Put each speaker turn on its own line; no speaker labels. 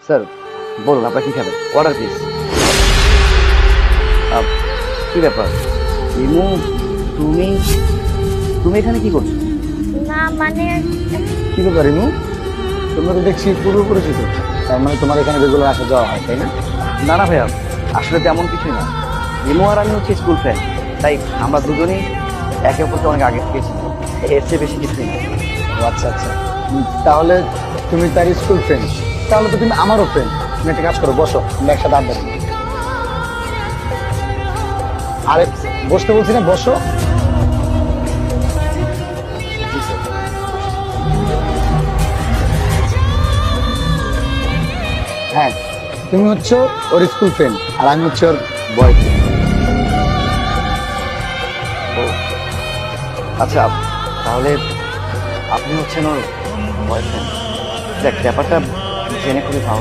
Sir বলুন আপনারা কি খাবেন, অর্ডার প্লিজ। কি ব্যাপার রিমু, তুমি তুমি এখানে কি করছো?
না মানে
কি ব্যাপার রিমু, তোমরা তো দেখছি পূর্ব পরিচিত, তার মানে তোমার এখানে রেগুলার আসা যাওয়া হয় তাই না?
না না ভাইয়া, আসলে তেমন কিছুই না। রিমু আর আমি হচ্ছে স্কুল ফ্রেন্ড, তাই আমরা দুজনেই একে অপরকে অনেক আগে থেকে চিনি, এর চেয়ে বেশি কিছুই না।
ও আচ্ছা আচ্ছা, তাহলে তুমি তার স্কুল ফ্রেন্ড, তাহলে তো তুমি আমারও ফ্রেন্ড। তুমি একটা কাজ করো, বসো, আমরা একসাথে আড্ডা দিই। আরে বসতে বলছি না, বসো। হ্যাঁ, তুমি হচ্ছে ওর স্কুল ফ্রেন্ড আর আমি হচ্ছে ওর বয়ফ্রেন্ড।
আচ্ছা, তাহলে আপনি হচ্ছেন ওর বয়ফ্রেন্ড। দেখ, ব্যাপারটা জেনে খুবই ভালো